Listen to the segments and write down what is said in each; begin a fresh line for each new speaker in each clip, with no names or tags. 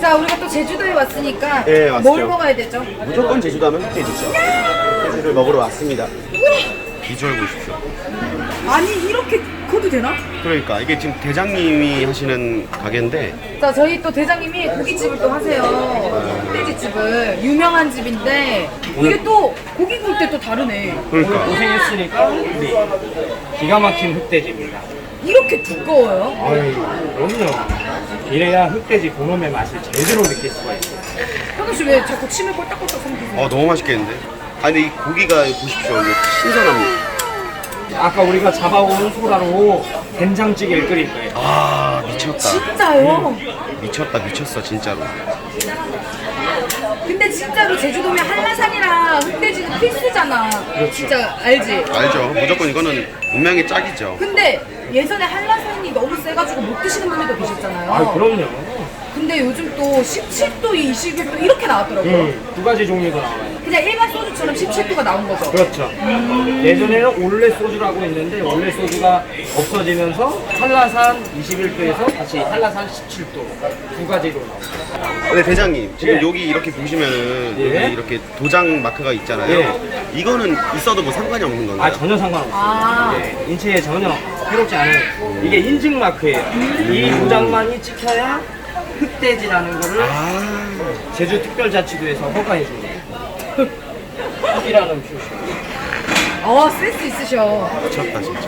자, 우리가 또 제주도에 왔으니까
네, 왔죠.
뭘 먹어야 되죠?
무조건 제주도 하면 흑돼지죠. 흑돼지를 먹으러 왔습니다. 비주얼 보십시오.
아니, 이렇게 커도 되나?
그러니까 이게 지금 대장님이 하시는 가게인데
자, 저희 또 대장님이 고깃집을 또 하세요. 흑돼지집을. 유명한 집인데 이게 또 고기 구울 때 또 다르네.
그러니까
고생했으니까 우리 기가 막힌 흑돼지입니다.
이렇게 두꺼워요?
아유, 그럼요. 이래야 흑돼지 본연의 맛을 제대로 느낄 수가 있어요.
현우 씨 왜 자꾸 침을 꼴딱꼴딱 삼키세요?
너무 맛있겠는데? 아니 근데 이 고기가 보십시오. 이게 신선합니다.
아까 우리가 잡아온 소라로 된장찌개를 끓일 거예요.
아 미쳤다.
진짜요?
미쳤다 미쳤어 진짜로.
근데 진짜로 제주도면 한라산이랑 흑돼지는 필수잖아. 진짜 알지?
알죠. 무조건 이거는 운명의 짝이죠.
근데 예전에 한라산이 너무 세가지고 못 드시는 분들도 계셨잖아요.
아, 그럼요.
근데 요즘 또 17도, 21도 이렇게 나왔더라고요.
두 가지 종류가 나와요.
그냥 일반 소주처럼 17도가 나온 거죠.
그렇죠. 예전에는 올레 소주라고 있는데 올레 소주가 없어지면서 한라산 21도에서 다시 한라산 17도 두 가지로 나와요.
근데 대장님 지금
예.
여기 이렇게 보시면은
예.
여기 이렇게 도장 마크가 있잖아요.
예.
이거는 있어도 뭐 상관이 없는 건가요?
아, 전혀 상관없어요.
아.
네, 인체에 전혀 해롭지 않은 이게 인증 마크예요. 이 도장만이 찍혀야 흑돼지라는 거를 제주특별자치도에서 허가해 줍니다. 흑이라는 표시.
센스 있으셔.
미쳤다 진짜.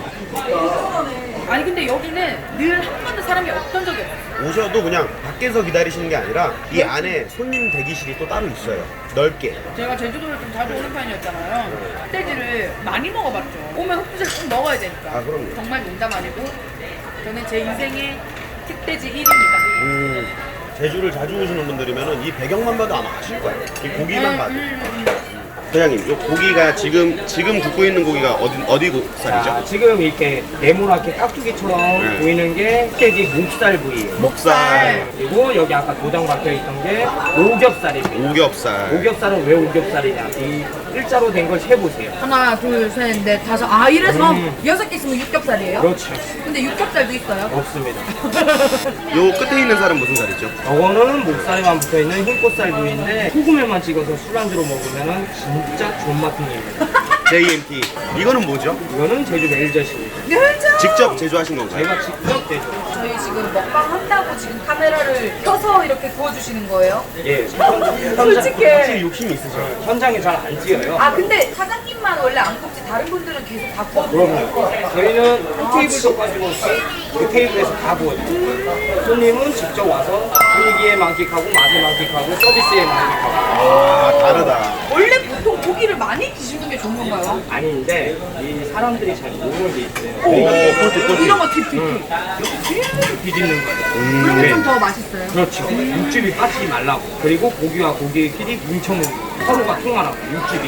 아니 근데 여기는 늘 한 번도 사람이 없던 적이 없어요.
오셔도 그냥 밖에서 기다리시는 게 아니라 이 안에 손님 대기실이 또 따로 있어요. 넓게.
제가 제주도를 좀 자주 오는 편이었잖아요. 흑돼지를 많이 먹어봤죠. 오면 흑돼지를 꼭 먹어야 되니까.
아, 그럼요.
정말 농담 아니고 저는 제 인생의 흑돼지 1위입니다.
제주를 자주 오시는 분들이면은 이 배경만 봐도 아마 아실 거예요. 이 고기만 봐도. 대장님, 이 고기가 지금 굽고 있는 고기가 어디 쌀이죠?
자, 지금 이렇게 네모나게 깍두기처럼
네.
보이는 게 흑돼지 목살 부위예요.
목살,
그리고 여기 아까 도장 박혀 있던 게 오겹살입니다.
오겹살.
오겹살은 왜 오겹살이냐? 이 일자로 된 걸 세보세요.
하나, 둘, 셋, 넷, 다섯. 이래서 6개 있으면 육겹살이에요?
그렇죠.
근데 육겹살도 있어요?
없습니다.
요 끝에 있는 살은 무슨 살이죠?
저거는 목살에만 붙어있는 흰꽃살 부위인데 소금에만 찍어서 술안주로 먹으면 진짜 존맛한 입니다.
JMT. 이거는 뭐죠?
이거는 제주 멜젓입니다.
멸젓!
직접 제조하신 건가요?
제가 직접 제조.
저희 지금 먹방 한다고 지금 카메라를 켜서 이렇게 구워주시는 거예요?
예,
솔직히.
확실히 욕심이 있으셔요.
현장에 잘 안 찍어요.
근데 사장님만 원래 안 굽지 다른 분들은 계속 다 구워주세요?
그럼요. 저희는 한 테이블도 가지고 그 테이블에서 다 구워요. 손님은 직접 와서 분위기에 만끽하고 맛에 만끽하고 서비스에 만끽하고.
다르다.
원래 보통 고기를 많이 드시는 게 좋은 건가요?
아닌데 이 사람들이 잘 모르는 게 있어요.
꼴찌.
이런 거 팁.
이렇게 뒤집는 거예요.
그러면
네.
좀 더 맛있어요.
그렇죠. 육즙이 빠지지 말라고. 그리고 고기와 고기끼리 뭉쳐놓는 거. 서로가 통하라고. 육즙이.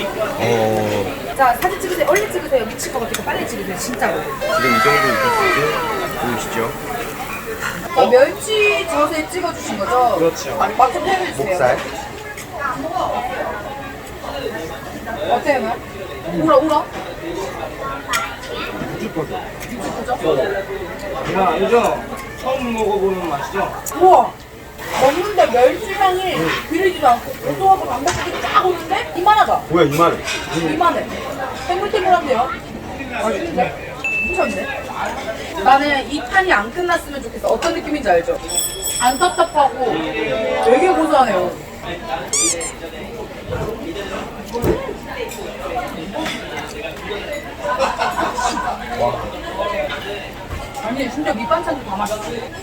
자, 사진 찍으세요. 얼른 찍으세요. 미칠 것 같으니까 빨리 찍으세요. 진짜로.
지금 이 정도 있었을 때 보이시죠?
멸치 젓에 찍어주신 거죠?
그렇죠.
맛좀 표현해주세요.
목살.
어때요, 말? 울어?
육즙거든.
육즙구죠?
이거 알죠? 처음 먹어보는 맛이죠?
우와! 먹는데 멸치향이 비리지도 않고 고소하고 담백하게 쫙 오는데 이만하다.
뭐야 이만해.
이만해. 탱글탱글한데요? 맛있는데? 미쳤네. 나는 이 판이 안 끝났으면 좋겠어. 어떤 느낌인지 알죠? 안 답답하고 되게 고소하네요. 아니 진짜 밑반찬도 다 맛있어.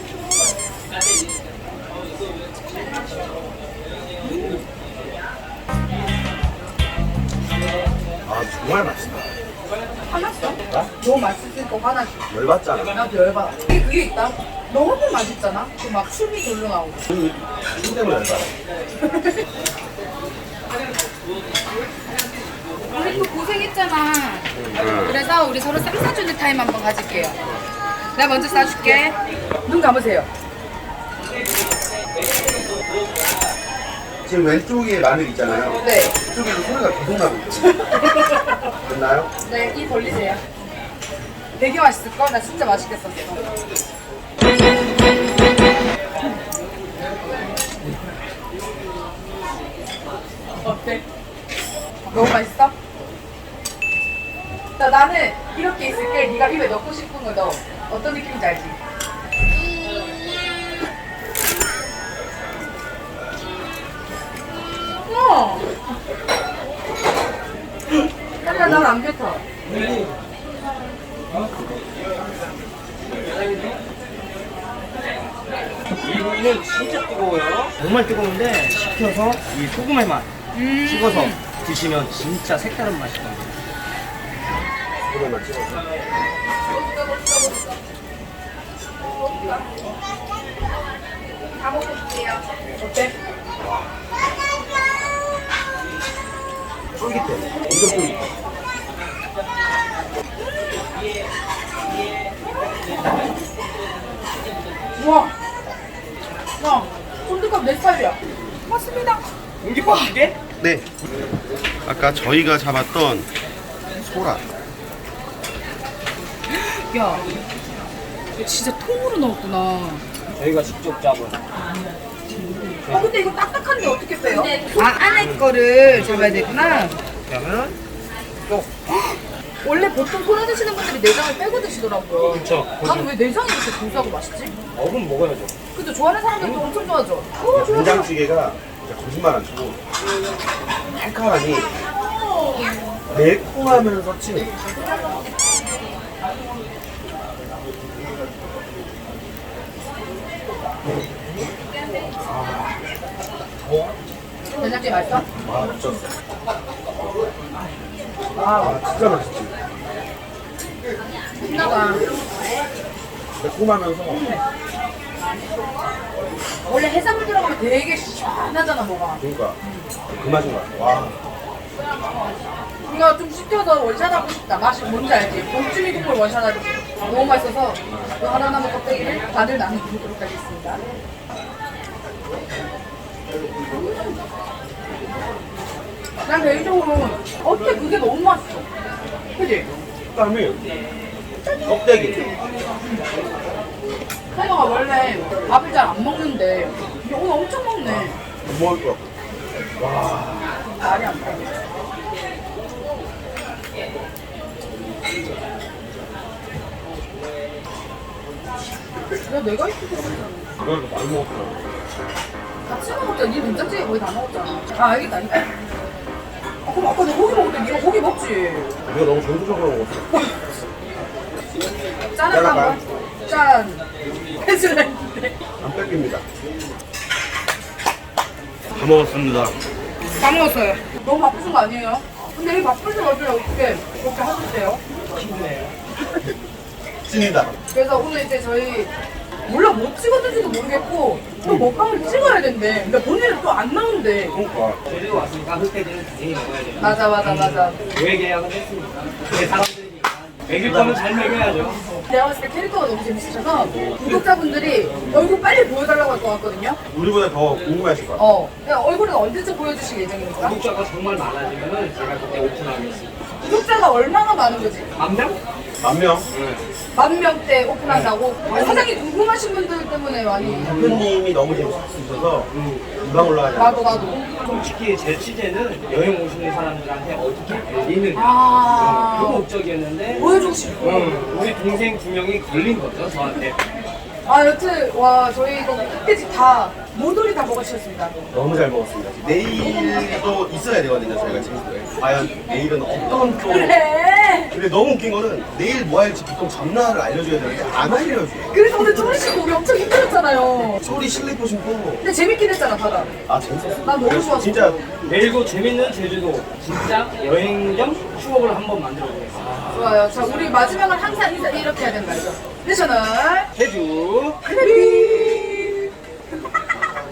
정말 맛있다.
화났어? 너무 맛있으니까 화나지.
열받잖아.
나도 열받아. 그게 있다. 너무 맛있잖아. 그 막 춤이 돌려 나오고.
술 때문에 열받아.
우리 또 고생했잖아. 그래서 우리 서로 쌈 싸주는 타임 한번 가질게요. 내가 먼저 싸줄게. 눈 감으세요.
지금 왼쪽에 마늘 있잖아요.
네.
이쪽에도 소리가 계속 나고 있어요. 됐나요?
네, 이 벌리세요. 되게 맛있을걸? 나 진짜 맛있게 썼어. 너무 맛있어? 자, 나는 이렇게 있을게. 네가 입에 넣고 싶은 거 넣어. 어떤 느낌인지 알지? 난 안 뱉어.
이 부위는 진짜 뜨거워요. 정말 뜨거운데 식혀서 이 소금의 맛 찍어서 드시면 진짜 색다른 맛이 납니다.
소금만 찍어서.
다 먹어볼게요. 어때?
쫄깃해. 엄청 쫄깃해.
우와. 야, 쫀득함 내 스타일이야. 맞습니다.
공깃밥이게?
네. 아까 저희가 잡았던 소라.
야, 이거 진짜 통으로 넣었구나.
저희가 직접 잡은.
근데 이거 딱딱한데 어떻게 빼요? 아, 안에 거를 잡아야 되구나.
그러면 또
원래 보통 소라 드시는 분들이 내장을 빼고 드시더라고요.
그쵸.
나는 왜 내장이 이렇게 고소하고 맛있지?
어금 먹어야죠.
근데 좋아하는 사람들도 엄청 좋아하죠. 좋아.
된장찌개가 진짜 거짓말 안 치고 칼칼하니 매콤하면서 찐해.
된장찌개 맛있어?
와, 미쳤어. 아, 진짜 맛있지.
신나다.
매콤하면서
원래 해산물 들어가면 되게 시원하잖아, 뭐가.
그러니까 그 맛인 거야. 와,
이거 좀 시켜서 원샷하고 싶다. 맛이 뭔지 알지? 복주미 국물 원샷하기. 너무 맛있어서 이 하나 남은 껍데기를 반을 나눠주도록 하겠습니다. 난 개인적으로 어때 그게 너무 맛있어. 그지?
식감이 껍데기.
태경아 원래 밥을 잘 안 먹는데 근데 오늘 엄청 먹네.
못 먹을 것 같고. 와,
말이 안 돼. 야, 내가 이렇게 먹었잖아.
이걸 많이 먹었구나.
같이 먹었잖아. 니 된장찌개 거의 다 먹었잖아. 아, 알겠다. 그럼 아까 내 고기 먹을 때 니가 고기 먹지.
우리가 너무 전투적으로 먹었어.
짠할까 한번? 짠. 해줄래 했는데.
안 뺏깁니다. 다 먹었습니다.
다 먹었어요. 너무 바쁘신 거 아니에요? 근데 이 바쁘신 와중에 어떻게 그렇게 하셨대요?
찐이다.
그래서 오늘 이제 저희 물론 못 찍었는지도 모르겠고 또 먹방을 찍어야 된대. 근데 본인은 또 안 나온대.
그러니까.
제주도 왔으니까 흑돼지는 당연히 먹어야 돼요.
맞아.
왜 계약을 했습니까? 내 사람들이니까. 먹일 거면 잘 먹여야죠.
내가 봤을 때 캐릭터가 너무 재밌으셔서 구독자분들이 얼굴 빨리 보여달라고 할 것 같거든요.
우리보다 더 궁금해하실 것 같아.
그냥 얼굴은 언제쯤 보여주실 예정입니까?
구독자가 정말 많아지면은 제가 그때 오픈하겠습니다.
구독자가 얼마나 많은 거지?
만 명?
10,000명?
10,000명대 오픈한다고? 사장님 궁금하신 분들 때문에 많이.
대표님이 너무 재밌으셔서 금방 올라가지 않아요.
나도.
솔직히 제 취재는 여행 오시는 사람들한테 어떻게 알리느냐
아.
그 목적이었는데
보여주고 싶고.
우리 동생 2명이 걸린 거죠 저한테.
여튼 와 저희 이거 흑돼지 다 모조리 다 먹으셨습니다.
너무 잘 먹었습니다. 내일도 있어야 되거든요, 저희가 지금. 과연 내일은 어떤 또.
그래.
근데 너무 웃긴 거는 내일 뭐 할지 보통 전날을 알려줘야 되는데 안 알려줘요.
그래서 오늘 조리식 우리 엄청 힘들었잖아요.
소리 슬리퍼 신고.
근데 재밌긴 했잖아 다들.
아, 재밌었어.
난 너무 좋았어.
진짜
내일도 재밌는 제주도 진짜 여행 겸 추억을 한번 만들어 보겠습니다.
좋아요. 자 우리 마지막은 항상 이렇게 해야 된다 이거. 내셔널
제주
크래비.